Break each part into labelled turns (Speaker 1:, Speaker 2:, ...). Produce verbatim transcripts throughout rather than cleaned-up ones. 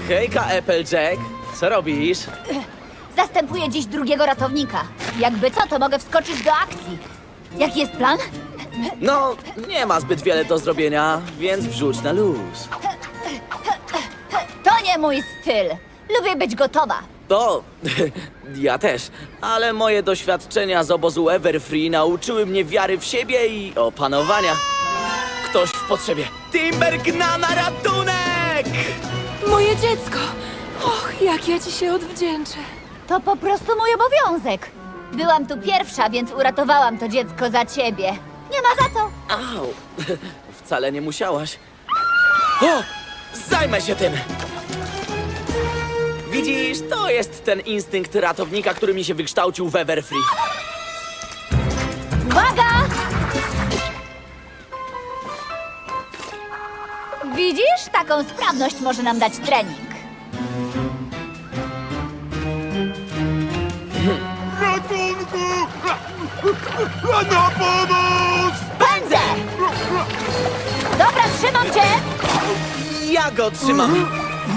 Speaker 1: Hejka, Applejack. Co robisz?
Speaker 2: Zastępuję dziś drugiego ratownika. Jakby co, to mogę wskoczyć do akcji. Jaki jest plan?
Speaker 1: No, nie ma zbyt wiele do zrobienia, więc wrzuć na luz.
Speaker 2: To nie mój styl. Lubię być gotowa.
Speaker 1: To... ja też. Ale moje doświadczenia z obozu Everfree nauczyły mnie wiary w siebie i opanowania. Ktoś w potrzebie. Timber gna na ratunek!
Speaker 3: Moje dziecko! Och, jak ja ci się odwdzięczę.
Speaker 2: To po prostu mój obowiązek. Byłam tu pierwsza, więc uratowałam to dziecko za ciebie. Nie ma za co.
Speaker 1: Au, wcale nie musiałaś. O, zajmę się tym! Widzisz, to jest ten instynkt ratownika, który mi się wykształcił w Everfree.
Speaker 2: Uwaga! Widzisz? Taką sprawność może nam dać trening.
Speaker 4: Ratunku! Na pomoc!
Speaker 2: Pędzę! Dobra, trzymam cię!
Speaker 1: Ja go trzymam.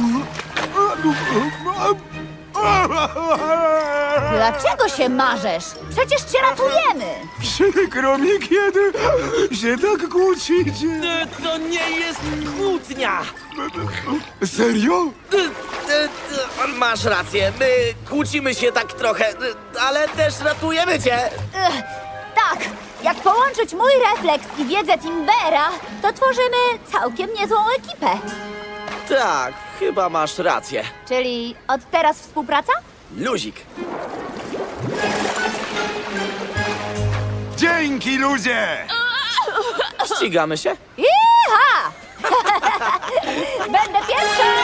Speaker 2: Dlaczego się marzesz? Przecież cię ratujemy!
Speaker 4: Przykro mi, kiedy się tak kłócicie.
Speaker 1: E, To nie jest kłótnia.
Speaker 4: Serio?
Speaker 1: E, e, e, Masz rację, my kłócimy się tak trochę, e, ale też ratujemy cię.
Speaker 2: Ech, tak, jak połączyć mój refleks i wiedzę Timbera, to tworzymy całkiem niezłą ekipę.
Speaker 1: Tak, chyba masz rację.
Speaker 2: Czyli od teraz współpraca?
Speaker 1: Luzik.
Speaker 4: Dzięki, ludzie!
Speaker 1: Ścigamy się?
Speaker 2: Iha! Będę pierwsza!